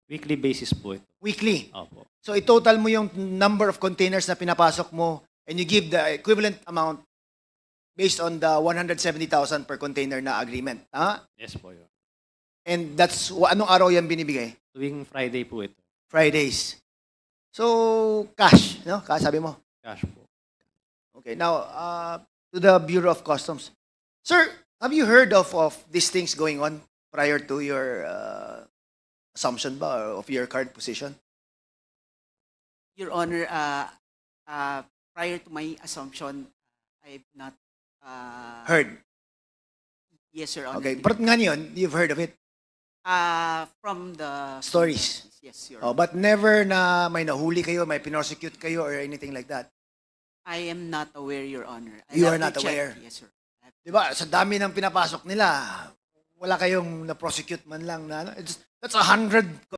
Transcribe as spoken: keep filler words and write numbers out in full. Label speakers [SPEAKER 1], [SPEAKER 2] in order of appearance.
[SPEAKER 1] Weekly basis po ito.
[SPEAKER 2] Weekly.
[SPEAKER 1] Opo.
[SPEAKER 2] So i-total mo yung number of containers na pinapasok mo and you give the equivalent amount based on the one hundred seventy thousand per container na agreement. Ha?
[SPEAKER 1] Yes po yun.
[SPEAKER 2] And that's, wa- anong araw yan binibigay?
[SPEAKER 1] Tuwing Friday po ito.
[SPEAKER 2] Fridays. So, cash, no? Cash, sabi mo.
[SPEAKER 1] Cash po.
[SPEAKER 2] Okay, now, uh, to the Bureau of Customs. Sir, have you heard of, of these things going on prior to your uh, assumption ba or of your current position?
[SPEAKER 3] Your Honor, uh, uh, prior to my assumption, I've not... Uh,
[SPEAKER 2] Heard.
[SPEAKER 3] Yes, Your Honor.
[SPEAKER 2] Okay, but nga yun, you've heard of it.
[SPEAKER 3] Uh, from the...
[SPEAKER 2] Stories.
[SPEAKER 3] Yes, Your
[SPEAKER 2] Oh,
[SPEAKER 3] Honor.
[SPEAKER 2] but never na may nahuli kayo, may pinosecute kayo or anything like that.
[SPEAKER 3] I am not aware, Your Honor. I'll
[SPEAKER 2] You
[SPEAKER 3] have
[SPEAKER 2] are
[SPEAKER 3] to
[SPEAKER 2] not
[SPEAKER 3] check.
[SPEAKER 2] aware?
[SPEAKER 3] Yes, sir. I have-
[SPEAKER 2] Di ba? Sa dami ng pinapasok nila, wala kayong na-prosecute man lang na ano. It's, that's a hundred